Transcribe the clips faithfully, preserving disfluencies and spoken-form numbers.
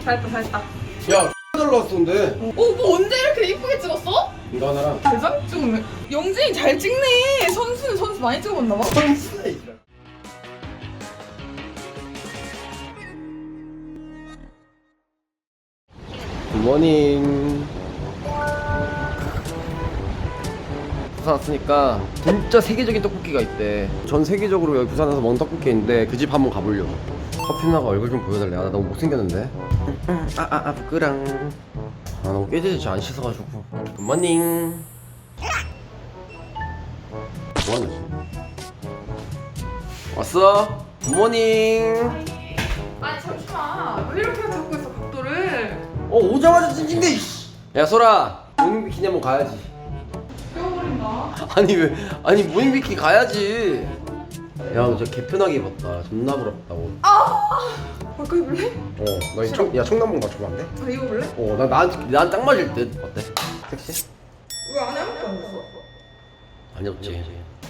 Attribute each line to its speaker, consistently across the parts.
Speaker 1: 잘했다 잘했다.
Speaker 2: 야 잘 나왔었는데.
Speaker 1: 어, 뭐 언제 이렇게 이쁘게 찍었어?
Speaker 2: 이거 하나랑
Speaker 1: 대장 찍네. 영진이 잘 찍네. 선수는 선수 많이 찍어봤나 봐.
Speaker 2: 굿모닝. 부산 왔으니까 진짜 세계적인 떡볶이가 있대. 전 세계적으로 여기 부산에서 먹는 떡볶이 있는데 그 집 한번 가보려고. 커피나가 얼굴 좀 보여달래. 아, 나 너무 못생겼는데. 아아아 아, 부끄랑. 아 너무 깨지지 안 씻어가지고. 굿모닝. 뭐하는 거지? 왔어? 굿모닝.
Speaker 1: 아니 잠시만. 왜 이렇게 잡고 있어 각도를?
Speaker 2: 어 오자마자 찡찡대. 야 소라 모닝 비키니 한번 가야지.
Speaker 1: 떼어버린다.
Speaker 2: 아니 왜 아니 모닝 비키니 가야지. 야 너 진짜 개편하게 입었다. 존나 부럽다고.
Speaker 1: 아! 바꿔 입을래?
Speaker 2: 어나 청, 야 청남봉 맞춰봐 안 돼?
Speaker 1: 아 입어볼래?
Speaker 2: 어나난난 딱 맞을 듯. 어때? 섹시?
Speaker 1: 왜 안에 아무것도 안 했어?
Speaker 2: 아니 없지.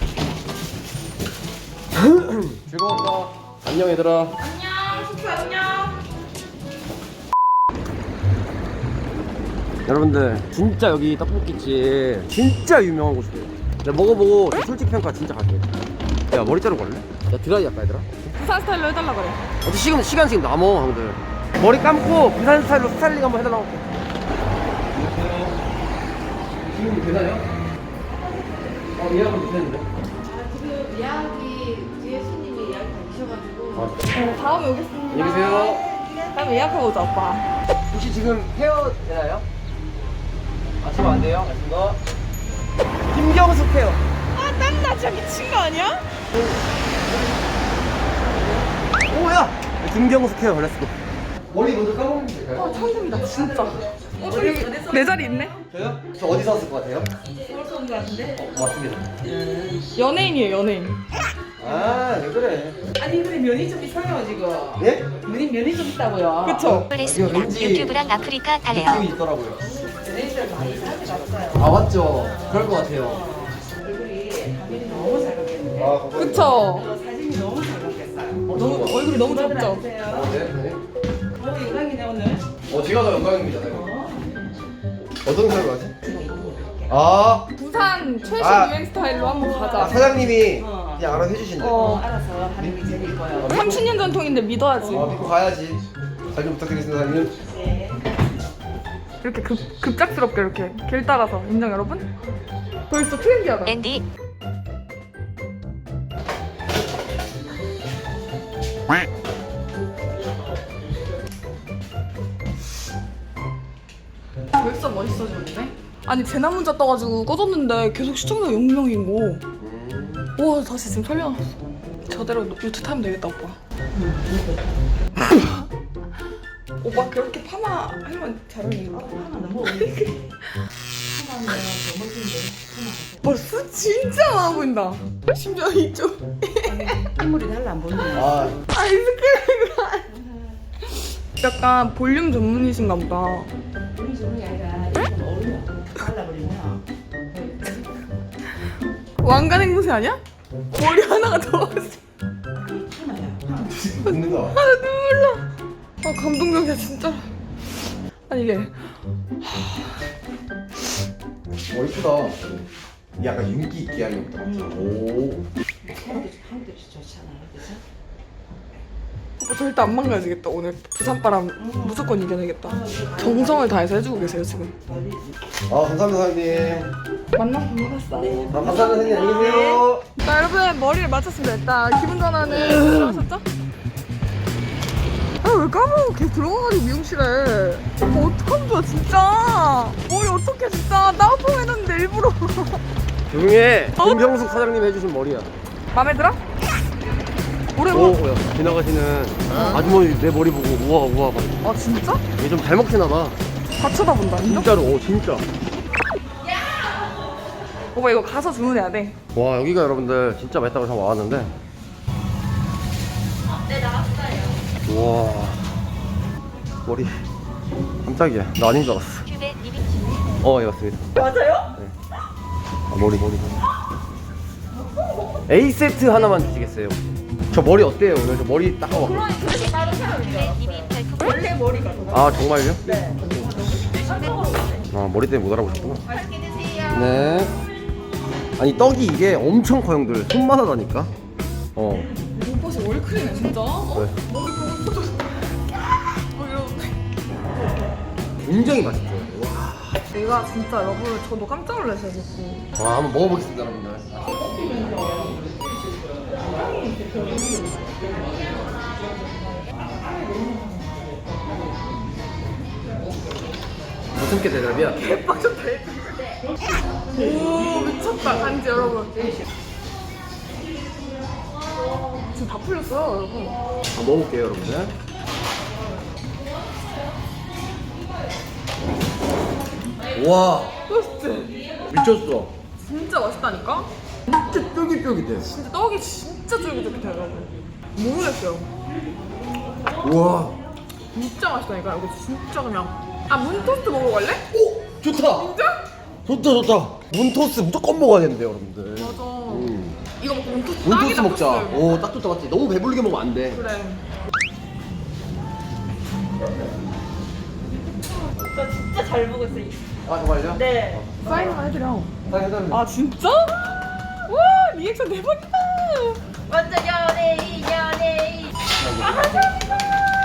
Speaker 2: 즐거웠다. 안녕 얘들아.
Speaker 1: 안녕 숙소 안녕.
Speaker 2: 여러분들 진짜 여기 떡볶이집 진짜 유명한 곳이에요. 내가 먹어보고 솔직 평가 진짜 갈게. 야 머리 자르고 갈래? 야 드라이 할까 얘들아?
Speaker 1: 부산 스타일로 해달라 그래.
Speaker 2: 어차피 시간, 시간 지금 남어 형들. 머리 감고 부산 스타일로 스타일링 한번 해달라고 할게. 안녕하세요. 지금 계산이요? 어 예약은 못했는데.
Speaker 3: 아, 지금 예약이 뒤에 손님이 예약이 다 계셔가지고.
Speaker 2: 아,
Speaker 1: 네, 다음에 오겠습니다.
Speaker 2: 안녕히 계세요.
Speaker 1: 다음에 예약하고 오자 오빠.
Speaker 2: 혹시 지금 헤어 되나요? 아 지금 안 돼요? 알겠습니다. 김경숙 헤어.
Speaker 1: 아 땀나 진짜 미친 거 아니야?
Speaker 2: 오야! 김경숙 헤어 렛츠고. 머리 먼저 감으면 될까요?
Speaker 1: 아 천국이다 진짜. 어 저기 내 자리 있네.
Speaker 2: 저요? 저 어디서 왔을 것 같아요?
Speaker 3: 서울서 온거 같은데?
Speaker 2: 어, 맞습니다.
Speaker 1: 연예인이에요 연예인.
Speaker 2: 아, 왜 그래?
Speaker 3: 아니 근데 면이 좀 있어요 지금.
Speaker 2: 예?
Speaker 3: 면이 면이 좀 있다고요.
Speaker 1: 그쵸?
Speaker 4: 했습니다.
Speaker 2: 왠지
Speaker 4: 유튜브랑 아프리카
Speaker 2: 느낌이
Speaker 4: 달래요.
Speaker 2: 있더라고요.
Speaker 3: 연예인들 많이 사람들이
Speaker 2: 아, 맞죠? 그럴 것 같아요.
Speaker 3: 얼굴이 화면이 너무 잘 바뀌었는데.
Speaker 2: 아, 감사합니다.
Speaker 1: 그쵸?
Speaker 3: 사진이 너무 잘 바뀌었어요.
Speaker 2: 어,
Speaker 1: 너무
Speaker 2: 너무
Speaker 1: 얼굴이 너무
Speaker 3: 오늘
Speaker 1: 좁죠?
Speaker 3: 앉으세요.
Speaker 2: 어, 네, 네.
Speaker 3: 어 영광이네 오늘.
Speaker 2: 어, 제가 더 영광입니다. 네.
Speaker 3: 어.
Speaker 2: 어떤 색으로 하지? 아,
Speaker 1: 부산 최신
Speaker 2: 아.
Speaker 1: 유행 스타일로 한번
Speaker 2: 아,
Speaker 1: 가자.
Speaker 2: 사장님이
Speaker 3: 어.
Speaker 2: 그냥 알아서 해주신대.
Speaker 3: 어
Speaker 1: 어.
Speaker 3: 알아서 하는 게 제일 이뻐요.
Speaker 1: 삼십 년 전통인데 믿어야지.
Speaker 2: 아, 믿고 가야지. 잘 좀 부탁드리겠습니다, 사장님.
Speaker 3: 네.
Speaker 1: 이렇게 급, 급작스럽게 이렇게 길 따라서 인정 여러분? 벌써 트렌디하다.
Speaker 4: 앤디
Speaker 1: 벌써 멋있어졌네. 아니 재난 문자 떠가지고 꺼졌는데 계속 시청자 영 명인 거. 와 다시 지금 살려놨어. 저대로 유튜브 타면 되겠다 오빠. 오빠 그렇게 파마 하면 잘 어울리겠다.
Speaker 3: 하나 너무 어울리게. 하나는 너무 멋진데.
Speaker 1: 벌써 진짜 많아 보인다. 심지어 이쪽
Speaker 3: 인물이 달라 안 보이네.
Speaker 2: 아,
Speaker 1: 아이스크림. 약간 볼륨 전문이신가 보다.
Speaker 3: 우리 좋은 게 아니라 이건 어울려. 발라버리면.
Speaker 1: 왕관 행보세 아니야? 머리 하나가 더 왔어.
Speaker 3: 하나야. 하나.
Speaker 2: 있는 거.
Speaker 1: 아, 나 눈물 나. 아, 감동적이야, 진짜. 아니, 이게.
Speaker 2: 어, 이쁘다. 약간 윤기 있게 하는 것도 같아. 오.
Speaker 3: 한국도 한국도 좋잖아. 그래서
Speaker 1: 오빠 절대 안 망가지겠다, 오늘. 부산바람 무조건 이겨내겠다. 정성을 다해서 해주고 계세요, 지금.
Speaker 2: 아, 감사합니다, 사장님.
Speaker 1: 만나서 반갑았어.
Speaker 2: 아, 감사합니다, 사장님. 안녕히 계세요.
Speaker 1: 자, 여러분, 머리를 맞췄습니다. 일단, 기분 전환은 하셨죠? 아, 왜 까먹고 계속 들어가가지고 미용실에. 오빠 어떡하면 좋아, 진짜. 머리 어떡해, 진짜. 나우펑 해놨는데, 일부러.
Speaker 2: 조용히 해. 김경숙 사장님 해주신 머리야.
Speaker 1: 맘에 들어? 오래
Speaker 2: 오,
Speaker 1: 봐.
Speaker 2: 야, 지나가시는 아주머니 내 머리 보고 우와 우와 막.
Speaker 1: 아, 진짜?
Speaker 2: 얘 좀 잘 먹히나 봐.
Speaker 1: 다 쳐다본다, 인정?
Speaker 2: 진짜로, 오 진짜.
Speaker 1: 오빠 이거 가서 주문해야 돼.
Speaker 2: 와 여기가 여러분들 진짜 맛있다고 해서 와왔는데.
Speaker 4: 네 나왔어요.
Speaker 2: 와 머리 깜짝이야. 나 아닌 줄 알았어.
Speaker 4: 큐베 님이
Speaker 2: 어, 예 맞습니다.
Speaker 1: 맞아요?
Speaker 2: 네. 아, 머리 머리. A 세트 하나만 주시겠어요? 저 머리 어때요 오늘? 저 머리 딱 와.
Speaker 1: 그러니 그래서 다른 사람이야.
Speaker 4: 큐베 님이 별풍
Speaker 3: 원래 머리가
Speaker 2: 아 정말요? 네. 아 머리 때문에 못 알아보셨구나.
Speaker 3: 맛있게 드세요.
Speaker 2: 네. 아니 떡이 이게 엄청 커 형들. 손만 하다니까. 어.
Speaker 1: 오빠씨 월클이네 진짜. 어?
Speaker 2: 왜?
Speaker 1: 머리 보고 포도. 뭐 이러는데.
Speaker 2: 굉장히 맛있죠. 와.
Speaker 1: 내가 진짜 여러분 저도 깜짝 놀랐어요. 먹고.
Speaker 2: 와 한번 먹어보겠습니다 여러분들. 무슨 게 대답이야?
Speaker 1: 대박쳤다. 오 미쳤다 간지 여러분. 지금 다 풀렸어요 여러분.
Speaker 2: 한번 먹어볼게요 여러분들. 와
Speaker 1: 맛있지?
Speaker 2: 미쳤어.
Speaker 1: 진짜 맛있다니까?
Speaker 2: 진짜 쫄깃쫄깃해.
Speaker 1: 진짜 떡이 진짜 쫄깃쫄깃해요 여러분. 모르겠어요.
Speaker 2: 우와.
Speaker 1: 진짜 맛있다니까 이거 진짜 그냥. 아 문토스트 먹으러 갈래?
Speaker 2: 오 좋다.
Speaker 1: 진짜?
Speaker 2: 좋다 좋다. 문토스 무조건 먹어야 되는데 여러분들.
Speaker 1: 맞아.
Speaker 2: 음.
Speaker 1: 이거 먹고 문토스트
Speaker 2: 문토스
Speaker 1: 딱이다,
Speaker 2: 먹자.
Speaker 1: 토스트.
Speaker 2: 오 딱 좋다 맞지? 너무 배부르게 먹으면 안 돼.
Speaker 1: 그래.
Speaker 3: 저 진짜 잘 먹었어요.
Speaker 2: 아 정말요?
Speaker 3: 네.
Speaker 1: 사인 하나 해드려.
Speaker 2: 아 해달래.
Speaker 1: 아 진짜? 와 리액션 대박이다.
Speaker 3: 완전 연예인 연예인. 아 감사합니다.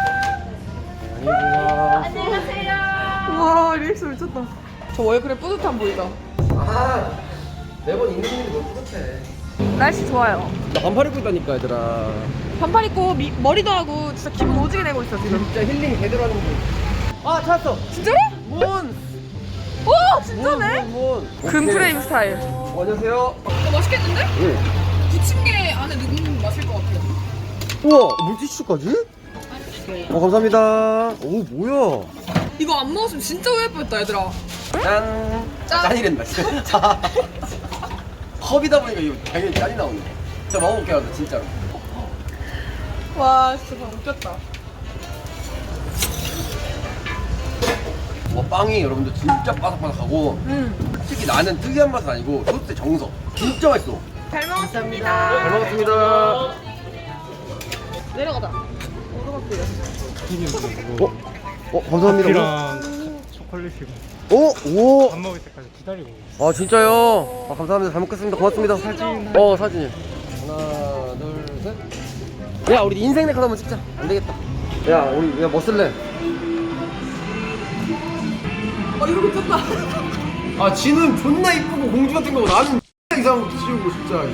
Speaker 2: 안녕하세요.
Speaker 3: 안녕하세요.
Speaker 1: 와 리액션 미쳤다. 저 월클에 뿌듯함 보이죠?
Speaker 2: 아 매번 있는 일이 너무 뿌듯해.
Speaker 1: 날씨 좋아요.
Speaker 2: 나 반팔 입고 있다니까 얘들아.
Speaker 1: 반팔 입고 미, 머리도 하고 진짜 기분 오지게 내고 있어 지금.
Speaker 2: 진짜 힐링 제대로 하는 거. 아 찾았어.
Speaker 1: 진짜로?
Speaker 2: 문.
Speaker 1: 와 진짜네?
Speaker 2: 문, 문, 문.
Speaker 1: 금
Speaker 2: 오케이.
Speaker 1: 프레임 스타일.
Speaker 2: 어, 안녕하세요.
Speaker 1: 이거 맛있겠는데?
Speaker 2: 응.
Speaker 1: 부침개 안에 넣으면 맛있을 것 같아요.
Speaker 2: 우와 물티슈까지? 어 감사합니다. 오 뭐야?
Speaker 1: 이거 안 먹었으면 진짜 후회할 뻔했다 얘들아.
Speaker 2: 짠.
Speaker 1: 짠.
Speaker 2: 짠이랜다 진짜. 컵이다 보니까 이거 당연히 짠이 나오네. 진짜 먹어볼게요 진짜로.
Speaker 1: 와 진짜 방금 웃겼다.
Speaker 2: 와 빵이 여러분들 진짜 바삭바삭하고
Speaker 1: 음.
Speaker 2: 솔직히 나는 특이한 맛은 아니고 소스의 정석. 진짜 맛있어.
Speaker 1: 잘 먹었습니다.
Speaker 2: 잘 먹었습니다.
Speaker 1: 내려가자. 오르막길에.
Speaker 2: 어? 어 감사합니다.
Speaker 5: 커피랑 초콜릿이고
Speaker 2: 어? 오.
Speaker 5: 밥 먹을 때까지 기다리고 있어요.
Speaker 2: 아 진짜요? 아, 감사합니다. 잘 먹겠습니다. 고맙습니다.
Speaker 5: 사진.
Speaker 2: 어 사진. 하나 둘 셋. 야 우리 인생 네컷 한번 찍자. 안 되겠다. 야 우리 야뭐 쓸래?
Speaker 1: 어 이거 미쳤다.
Speaker 2: 아 지는 존나 이쁘고 공주 같은 거고 나는 이상한 것도 지우고 진짜.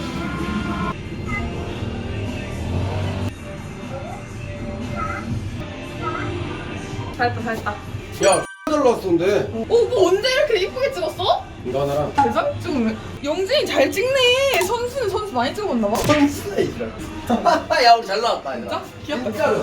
Speaker 1: 잘했다 잘했다.
Speaker 2: 야 잘 나왔었는데.
Speaker 1: 어, 뭐 언제 이렇게 이쁘게 찍었어?
Speaker 2: 이거 하나랑.
Speaker 1: 대장 찍으면 영진이 잘 찍네. 선수는 선수 많이 찍어봤나 봐.
Speaker 2: 선수네 이들. 야 우리 잘 나왔다 얘들아.
Speaker 1: 진짜? 귀엽다.
Speaker 2: 진짜로.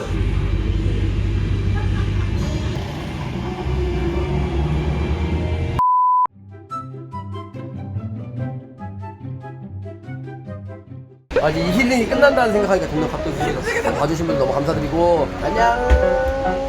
Speaker 2: 아니 이 힐링이 끝난다는 생각하니까 점점 갑자기 봐주신 분 너무 감사드리고 안녕.